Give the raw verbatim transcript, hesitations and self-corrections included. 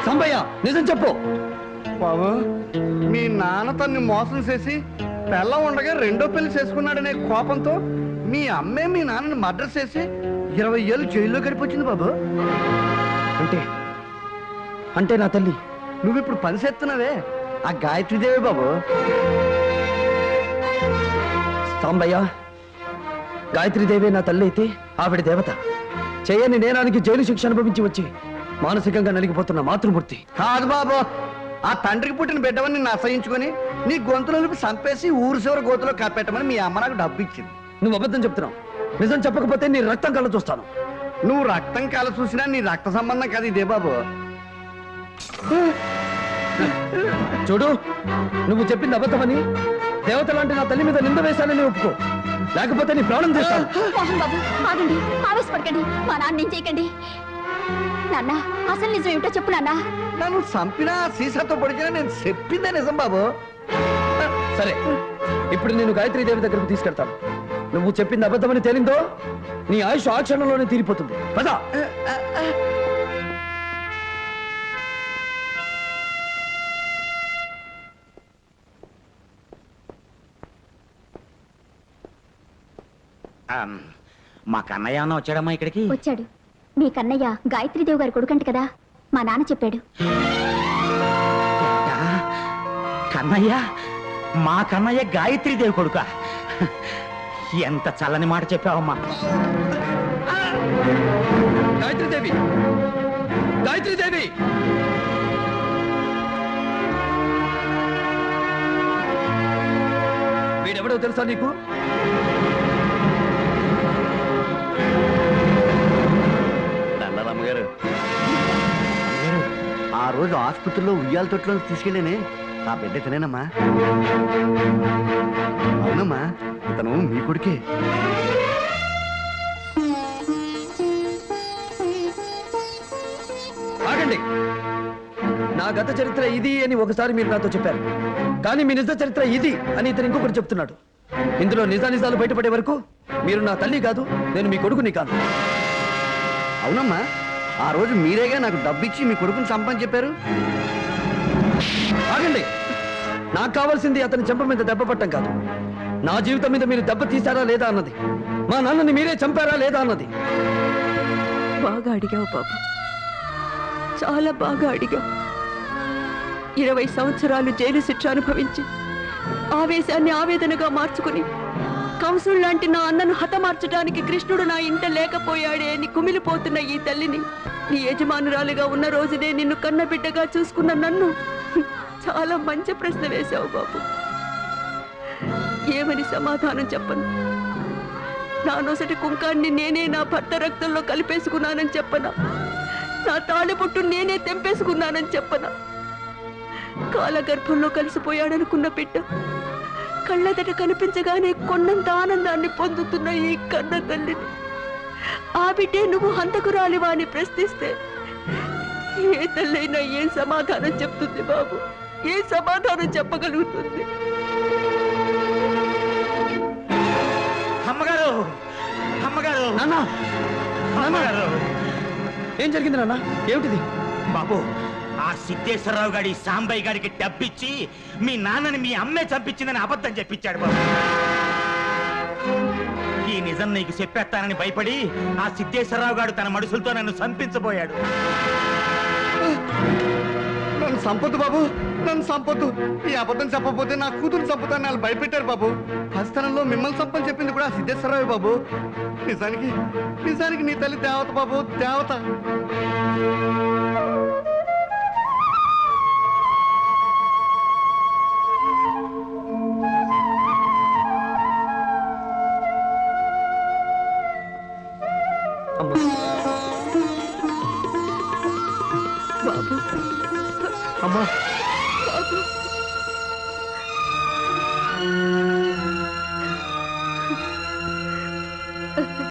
సంబయ్య నిజం చెప్పు. బాబు, మీ నాన్న తన్ని మోసం చేసి పెళ్ళం ఉండగా రెండో పెళ్లి చేసుకున్నాడనే కోపంతో మీ అమ్మే మీ నాన్నని మర్డర్ చేసి ఇరవై ఏళ్ళు జైల్లో గడిపొచ్చింది బాబు. అంటే అంటే నా తల్లి నువ్వు ఇప్పుడు పని చేస్తున్నావే ఆ గాయత్రీదేవి బాబు. సాంబయ్య, గాయత్రీదేవి నా తల్లి అయితే ఆవిడ దేవత. చేయని నేరానికి జైలు శిక్ష అనుభవించి వచ్చి మానసికంగా నలిగిపోతున్న మాతృమూర్తి కాదు బాబు. ఆ తండ్రికి పుట్టిన బిడ్డవని నిన్ను అసహించుకొని నీ గొంతులకు చంపేసి ఊరు చివరి గోతులో కప్పెట్టమని మీ అమ్మ నాకు డబ్బు ఇచ్చింది. నువ్వు అబద్ధం చెప్తున్నావు. నిజం చెప్పకపోతే నీ రక్తం కళ్ళ చూస్తాను. నువ్వు రక్తం కల చూసినా నీ రక్త సంబంధం కాదు ఇదే బాబు. చూడు, నువ్వు చెప్పింది అబద్ధమని దేవత లాంటి నా తల్లి మీద నింద వేశానని ఒప్పుకో, లేకపోతే నీ ప్రాణం చేస్తాను. మోహన్ బాబు, ఆగండి, ఆవేశపడకండి, మా నాన్న ఏం చేయకండి. నాన్న, అసలు నిజం ఏమిటో చెప్పు నాన్న. నన్ను చంపినా సీసాతో పొడిచినా నేను చెప్పిందే నిజం బాబు. సరే, ఇప్పుడు నేను గాయత్రీదేవి దగ్గరకు తీసుకెళ్తాను. నువ్వు చెప్పింది అబద్ధమని తేలిందో నీ ఆయుష్ ఆ క్షణంలోనే తీరిపోతుంది. పద. మా కన్నయ్య అన్న వచ్చాడమ్మా ఇక్కడికి? వచ్చాడు. మీ కన్నయ్య గాయత్రీదేవి గారి కొడుకంట కదా, మా నాన్న చెప్పాడు. కన్నయ్య? మా కన్నయ్య గాయత్రీదేవి కొడుక? ఎంత చల్లని మాట చెప్పావమ్మా. గాయత్రీదేవి, గాయత్రీదేవి, వీడెవడో తెలుసా నీకు? అమ్మగారు, ఆ రోజు ఆసుపత్రిలో ఉయ్యాల తొట్లో తీసుకెళ్ళేనే ఆ బిడ్డ తినేనమ్మా. అవునమ్మా, ఇతను మీ కొడుకే. ఆగండి. నా గత చరిత్ర ఇది అని ఒకసారి మీరు నాతో చెప్పారు, కానీ మీ నిజ చరిత్ర ఇది అని ఇతను ఇంకొకటి చెప్తున్నాడు. ఇందులో నిజానిజాలు బయటపడే వరకు మీరు నా తల్లి కాదు, నేను మీ కొడుకుని కాదు. అవునమ్మా, ఆ రోజు మీరేగా నాకు డబ్బిచ్చి మీ కొడుకుని చంపని చెప్పారు. ఆగండి. నాకు కావాల్సింది అతని చెంప మీద దెబ్బ పట్టం కాదు, నా జీవితం మీద మీరు దెబ్బ తీశారా లేదా అన్నది, మా నాన్నని మీరే చంపారా లేదా అన్నది. బాగా అడిగావు బాబు, చాలా బాగా అడిగావు. ఇరవై సంవత్సరాలు జైలు శిక్ష అనుభవించి ఆవేశాన్ని ఆవేదనగా మార్చుకుని కంసుడు లాంటి నా అన్నను హతమార్చడానికి కృష్ణుడు నా ఇంట లేకపోయాడే అని కుమిలిపోతున్న ఈ తల్లిని నీ యజమానురాలుగా ఉన్న రోజునే నిన్ను కన్నబిడ్డగా చూసుకున్న నన్ను చాలా మంచి ప్రశ్న వేశావు బాబు. ఏమని సమాధానం చెప్పను? నా నొసటి కుంకాన్ని నేనే నా భర్త రక్తంలో కలిపేసుకున్నానని చెప్పనా? నా తాళిబొట్టు నేనే తెంపేసుకున్నానని చెప్పనా? కాలగర్భంలో కలిసిపోయాడనుకున్న బిడ్డ కళ్ళెదట కనిపించగానే కొన్నంత ఆనందాన్ని పొందుతున్న ఈ కన్న తల్లిని ఆ బిడ్డే నువ్వు హంతకురాలివా అని ప్రశ్నిస్తే ఏ తల్లైనా ఏ సమాధానం చెప్తుంది బాబు? ఏ సమాధానం చెప్పగలుగుతుంది? అమ్మగారు, అమ్మగారు, నాన్న, అమ్మగారు, ఏం జరిగింది నాన్న? ఏమిటిది? బాబు, ఆ సిద్ధేశ్వరరావు గారి సాంబయ్య గారికి డబ్బిచ్చి మీ నాన్నని మీ అమ్మే చంపించిందని అబద్ధం చెప్పించాడు బాబు. ఈ నిజం నీకు చెప్పేస్తానని భయపడి ఆ సిద్ధేశ్వరరావు గారు తన మనుషులతో నన్ను చంపించబోయాడు. నన్ను సంపొద్దు బాబు, నన్ను సంపొద్దు. ఈ అబద్ధం చెప్పకపోతే నా కూతురు చంపుతాను వాళ్ళు భయపెట్టారు బాబు. హస్తనంలో మిమ్మల్ని చంపని చెప్పింది కూడా సిద్ధేశ్వరరావు బాబు. నిజానికి నిజానికి నీ తల్లి దేవత బాబు, దేవత. బాబు, అమ్మా, బాబు.